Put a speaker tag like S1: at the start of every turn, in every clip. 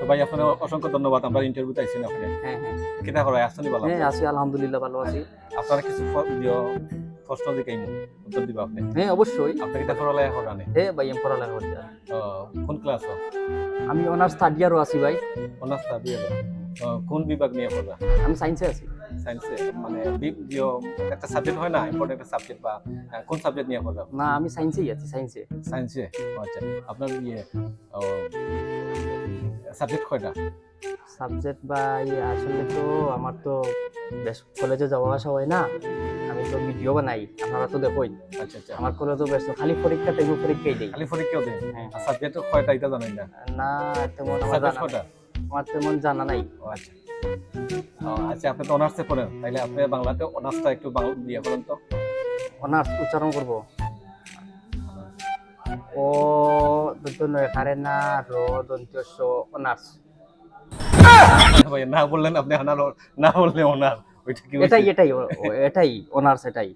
S1: ভাই আপনার অসংখ্য ধন্যবাদ, আমরা ইন্টারভিউতে আইছেন আপনি।
S2: হ্যাঁ হ্যাঁ
S1: কিতা করায় আসছেন ভালো?
S2: হ্যাঁ আছি আলহামদুলিল্লাহ ভালো আছি।
S1: আপনারা কিছু প্রশ্ন দিকাইমু, উত্তর দিবা আপনি।
S2: হ্যাঁ অবশ্যই।
S1: আপনি কিতা পড়ালেখা করেন?
S2: হ্যাঁ ভাই আমি পড়ালেখা করতে আছি।
S1: কোন ক্লাস?
S2: আমি অনার্স থার্ড ইয়ারও আছি ভাই।
S1: Honours third year. কোন বিভাগ নিয়ে পড়া?
S2: আমি সায়েন্সে আছি।
S1: সায়েন্সে, মানে একটা সাবজেক্ট হয় না, ইম্পর্টেন্ট একটা সাবজেক্ট, বা কোন সাবজেক্ট নিয়ে পড়া?
S2: না আমি সায়েন্সেই আছি, সায়েন্সে।
S1: সায়েন্সে। আচ্ছা, আপনার সাবজেক্ট কয়টা?
S2: সাবজেক্ট ভাই আসলে তো আমার তো বেশ কলেজে যাওয়া আসা হয় না, আমি তো ভিডিও বানাই, আপনারা তো দেখোই।
S1: আচ্ছা আচ্ছা,
S2: আমার কলেজে বেশ খালি পরীক্ষা টাইমে পরীক্ষাই দেই।
S1: খালি পরীক্ষাও দেন?
S2: হ্যাঁ
S1: আর সাবজেক্ট কয়টা এটা জানেন না?
S2: না তেমন আমার
S1: সাবজেক্ট
S2: জানা
S1: কয়টা?
S2: আমার তেমন জানা নাই।
S1: আচ্ছা। আচ্ছা, আপনি তো অনার্সে পড়েন, তাইলে আপনি বাংলাতে অনার্সটা একটু বাংলা দিয়ে করেন তো।
S2: অনার্স উচ্চারণ করব। ও দন্ত নয় কারে না র দন্ত স অনার্স।
S1: ভাই না বললেন আপনি, অনার না বললে অনার, ওইটা কি?
S2: এটাই এটাই এটাই অনার্স এটাই।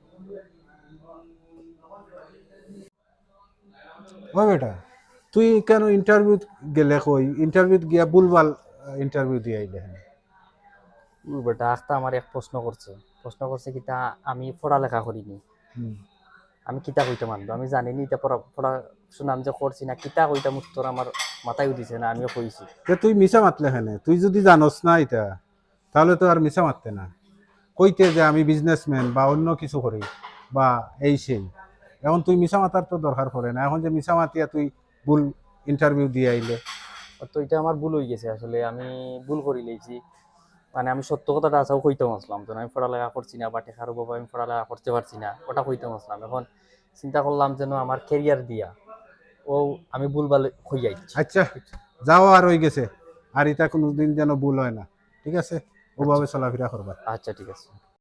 S3: ওই বেটা, তুই কেন ইন্টারভিউ গেলে? কই ইন্টারভিউ গিয়া ভুলভাল ইন্টারভিউ দিয়ে আইলে।
S2: বেটা আখতা আমার এক প্রশ্ন করছে কিতা আমি পড়ালেখা করিনি, আমি কিতা কইতে মানবো? আমি জানিনি এটা পড়াশোনা আমি যে করছি না, কিতা কইতাম উত্তর আমার মাথায় উঠিছে না, আমিও কইছি।
S3: তুই মিছা মাতলে হেনে, তুই যদি জানোস না এটা, তাহলে তো আর মিছা মারতে না। কইতে যে আমি বিজনেসম্যান বা অন্য কিছু করি বা এই সেই। এখন তুই মিছা মাতার তো দরকার পড়ে না। এখন যে মিছা মাতিয়া তুই ভুল ইন্টারভিউ দিয়ে আইলে।
S2: তো এটা আমার ভুল হয়ে গেছে, আসলে আমি ভুল করি লেছি। মানে আমি সত্য কথাটা আসাও কইতে আসলাম, তো আমি পড়ালেখা করছি না বা টেকার বাবা আমি পড়ালেখা করতে পারছি না, ওটা কইতে আসলাম। এখন চিন্তা করলাম যেন আমার ক্যারিয়ার দিয়া ও আমি ভুলভাল হইয়াই।
S3: আচ্ছা, যাও আর হয়ে গেছে, আর এটা কোনোদিন যেন ভুল হয় না, ঠিক আছে? ওভাবে চলাফেরা করবা।
S2: আচ্ছা ঠিক আছে।